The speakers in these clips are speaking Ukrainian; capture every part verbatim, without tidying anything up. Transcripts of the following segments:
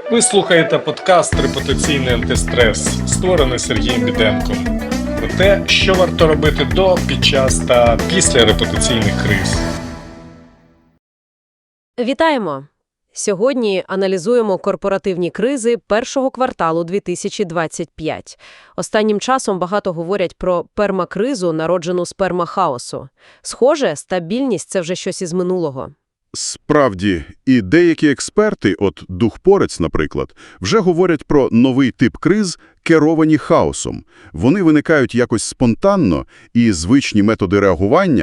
Ви слухаєте подкаст «Репутаційний антистрес», створений Сергієм Біденком. Про те, що варто робити до, під час та після репутаційних криз. Вітаємо! Сьогодні аналізуємо корпоративні кризи першого кварталу дві тисячі двадцять п'ятого. Останнім часом багато говорять про пермакризу, народжену з пермахаосу. Схоже, стабільність – це вже щось із минулого. Справді, і деякі експерти, от Духпорець, наприклад, вже говорять про новий тип криз, керовані хаосом. Вони виникають якось спонтанно, і звичні методи реагування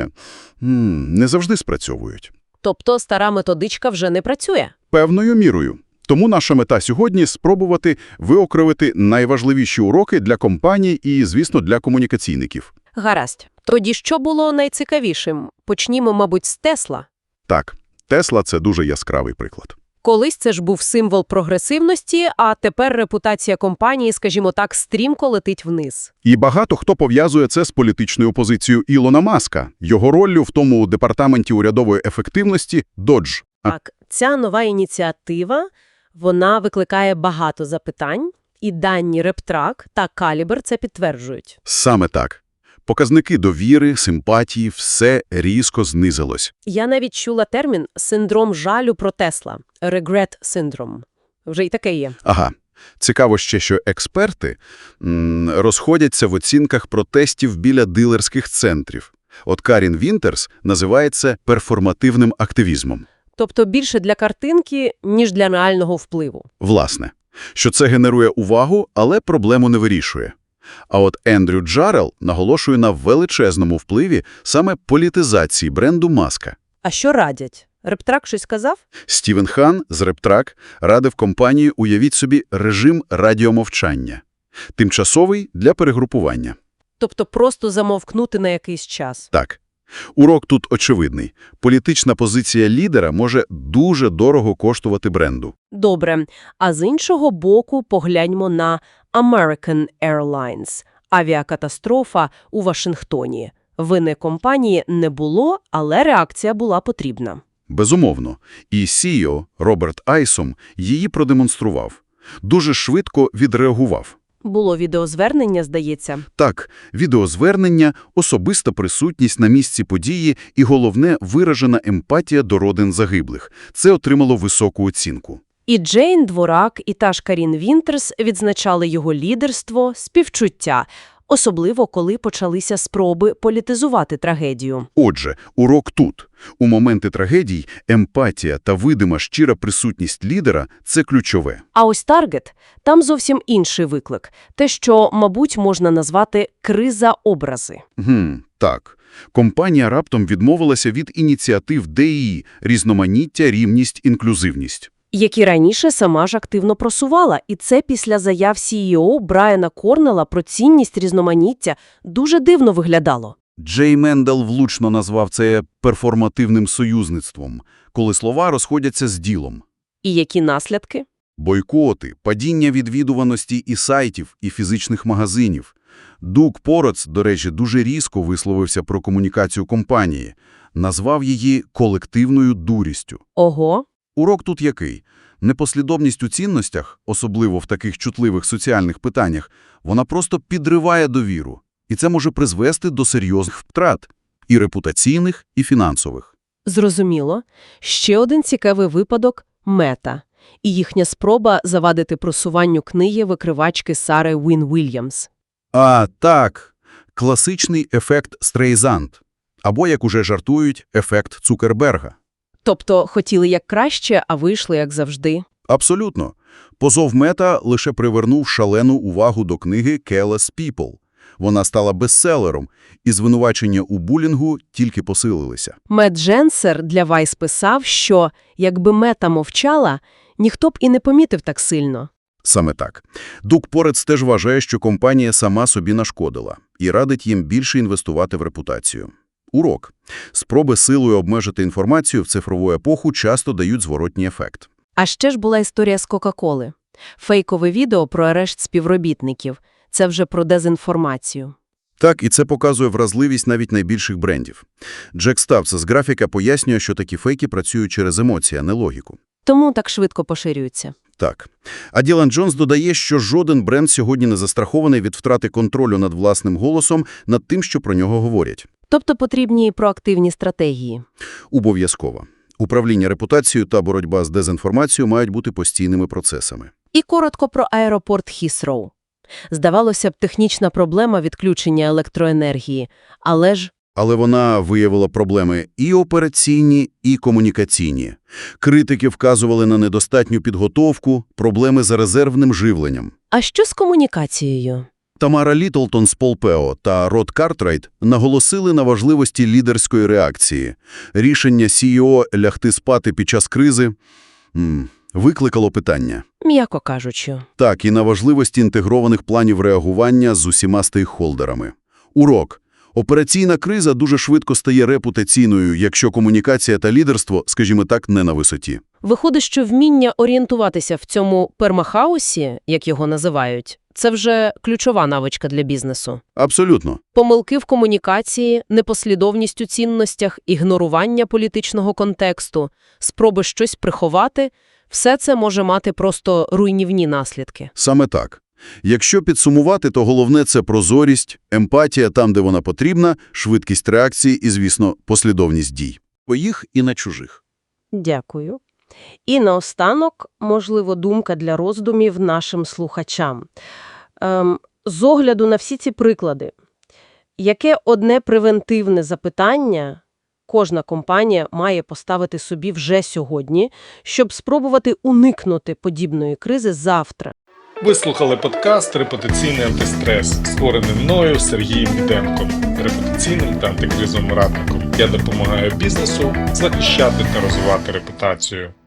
м, не завжди спрацьовують. Тобто стара методичка вже не працює? Певною мірою. Тому наша мета сьогодні – спробувати виокремити найважливіші уроки для компаній і, звісно, для комунікаційників. Гаразд. Тоді що було найцікавішим? Почнімо, мабуть, з Тесла. Так, Тесла – це дуже яскравий приклад. Колись це ж був символ прогресивності, а тепер репутація компанії, скажімо так, стрімко летить вниз. І багато хто пов'язує це з політичною позицією Ілона Маска, його роллю в тому департаменті урядової ефективності Dodge. Так, ця нова ініціатива, вона викликає багато запитань, і дані RepTrak та Caliber це підтверджують. Саме так. Показники довіри, симпатії – все різко знизилось. Я навіть чула термін «синдром жалю про Тесла» – «regret syndrome». Вже й таке є. Ага. Цікаво ще, що експерти м, розходяться в оцінках протестів біля дилерських центрів. От Карін Вінтерс називає це перформативним активізмом. Тобто більше для картинки, ніж для реального впливу. Власне, що це генерує увагу, але проблему не вирішує. А от Ендрю Джарел наголошує на величезному впливі саме політизації бренду Маска. А що радять? RepTrak щось сказав? Стівен Хан з RepTrak радив компанії, уявіть собі, режим радіомовчання. Тимчасовий для перегрупування. Тобто просто замовкнути на якийсь час. Так. Урок тут очевидний. Політична позиція лідера може дуже дорого коштувати бренду. Добре. А з іншого боку погляньмо на American Airlines. Авіакатастрофа у Вашингтоні. Вини компанії не було, але реакція була потрібна. Безумовно. І сі і о Роберт Айсом її продемонстрував. Дуже швидко відреагував. Було відеозвернення, здається. Так, відеозвернення, особиста присутність на місці події і, головне, виражена емпатія до родин загиблих. Це отримало високу оцінку. І Джейн Дворак, і та ж Карін Вінтерс відзначали його лідерство, співчуття, особливо коли почалися спроби політизувати трагедію. Отже, урок тут. У моменти трагедій емпатія та видима щира присутність лідера – це ключове. А ось Таргет – там зовсім інший виклик. Те, що, мабуть, можна назвати криза образи. Гм, так. Компанія раптом відмовилася від ініціатив ді і і – різноманіття, рівність, інклюзивність. Які раніше сама ж активно просувала. І це після заяв сі і о Брайана Корнелла про цінність різноманіття дуже дивно виглядало. Джей Мендел влучно назвав це перформативним союзництвом, коли слова розходяться з ділом. І які наслідки? Бойкоти, падіння відвідуваності і сайтів, і фізичних магазинів. Духпорець, до речі, дуже різко висловився про комунікацію компанії. Назвав її колективною дурістю. Ого. Урок тут який? Непослідовність у цінностях, особливо в таких чутливих соціальних питаннях, вона просто підриває довіру. І це може призвести до серйозних втрат – і репутаційних, і фінансових. Зрозуміло. Ще один цікавий випадок – Мета. І їхня спроба завадити просуванню книги викривачки Сари Уін Вільямс. А, так. Класичний ефект Стрейзанд. Або, як уже жартують, ефект Цукерберга. Тобто хотіли як краще, а вийшли як завжди. Абсолютно. Позов Мета лише привернув шалену увагу до книги «Careless People». Вона стала бестселером, і звинувачення у булінгу тільки посилилися. Мет Дженсер для Вайс писав, що якби Мета мовчала, ніхто б і не помітив так сильно. Саме так. Духпорець теж вважає, що компанія сама собі нашкодила і радить їм більше інвестувати в репутацію. Урок. Спроби силою обмежити інформацію в цифрову епоху часто дають зворотній ефект. А ще ж була історія з Кока-Коли. Фейкове відео про арешт співробітників. Це вже про дезінформацію. Так, і це показує вразливість навіть найбільших брендів. Джек Ставс з графіка пояснює, що такі фейки працюють через емоції, а не логіку. Тому так швидко поширюються. Так. А Ділан Джонс додає, що жоден бренд сьогодні не застрахований від втрати контролю над власним голосом, над тим, що про нього говорять. Тобто потрібні проактивні стратегії. Обов'язково. Управління репутацією та боротьба з дезінформацією мають бути постійними процесами. І коротко про аеропорт Хісроу. Здавалося б, технічна проблема відключення електроенергії, але ж... Але вона виявила проблеми і операційні, і комунікаційні. Критики вказували на недостатню підготовку, проблеми з резервним живленням. А що з комунікацією? Тамара Літлтон з Полпео та Род Картрайт наголосили на важливості лідерської реакції. Рішення сі і о лягти спати під час кризи м, викликало питання. М'яко кажучи. Так, і на важливості інтегрованих планів реагування з усіма стейкхолдерами. Урок. Операційна криза дуже швидко стає репутаційною, якщо комунікація та лідерство, скажімо так, не на висоті. Виходить, що вміння орієнтуватися в цьому пермахаусі, як його називають, це вже ключова навичка для бізнесу. Абсолютно. Помилки в комунікації, непослідовність у цінностях, ігнорування політичного контексту, спроби щось приховати – все це може мати просто руйнівні наслідки. Саме так. Якщо підсумувати, то головне – це прозорість, емпатія там, де вона потрібна, швидкість реакції і, звісно, послідовність дій. Своїх і на чужих. Дякую. І наостанок, можливо, думка для роздумів нашим слухачам. Ем, з огляду на всі ці приклади, яке одне превентивне запитання кожна компанія має поставити собі вже сьогодні, щоб спробувати уникнути подібної кризи завтра? Ви слухали подкаст «Репутаційний антистрес», створений мною Сергієм Біденком, репутаційним та антикризовим радником. Я допомагаю бізнесу захищати та розвивати репутацію.